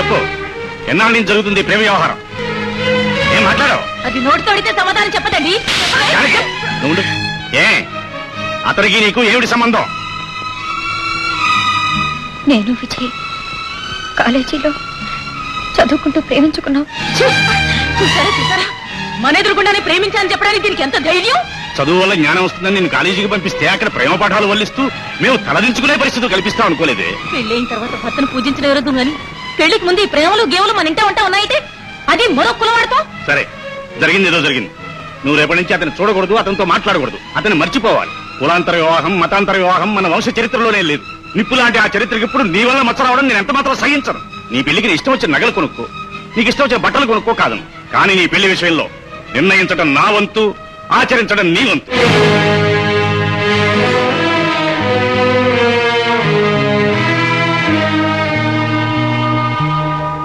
చెప్పు, ఎన్నాళ్ళ నుంచి జరుగుతుంది ప్రేమ వ్యవహారం? ఏం మాట్లాడావు? అది నోటితో అడిగితే సమాధానం చెప్పదండి. నువ్వు ఏ అతనికి నీకు ఏమిటి సంబంధం? నేను విజయ్ కాలేజీలో చదువుకుంటూ ప్రేమించుకున్నాం. చూసారా, మన ఎదురుకుండానే ప్రేమించాలని చెప్పడానికి దీనికి ఎంత ధైర్యం? చదువు వల్ల జ్ఞానం వస్తుందని నేను కాలేజీకి పంపిస్తే అక్కడ ప్రేమ పాఠాలు వల్లిస్తూ మేము తలదించుకునే పరిస్థితులు కల్పిస్తాం అనుకోలేదే. పెళ్ళైన తర్వాత భర్తను పూజించడం ఎవరదు గాని పెళ్లికి ముందు ఈ ప్రేమలు గేవులు మన ఇంట ఉంటా ఉన్నాయితే అది మరో కులవాడతాం. సరే, జరిగింది ఏదో జరిగింది. నువ్వు రేపటి నుంచి అతను చూడకూడదు, అతనితో మాట్లాడకూడదు, అతను మర్చిపోవాలి. కులాంతర వివాహం, మతాంతర వివాహం మన వంశ చరిత్రలోనే లేదు. నిప్పు లాంటి ఆ చరిత్రకి ఇప్పుడు నీ వల్ల మచ్చ రావడం నేను ఎంత మాత్రం సహించను. నీ పెళ్లికి నీ ఇష్టం వచ్చిన నగలు కొనుక్కో, నీకు ఇష్టం వచ్చిన బట్టలు కొనుక్కో కాదు. కానీ నీ పెళ్లి విషయంలో నిర్ణయించడం నా వంతు, ఆచరించడం నీ వంతు.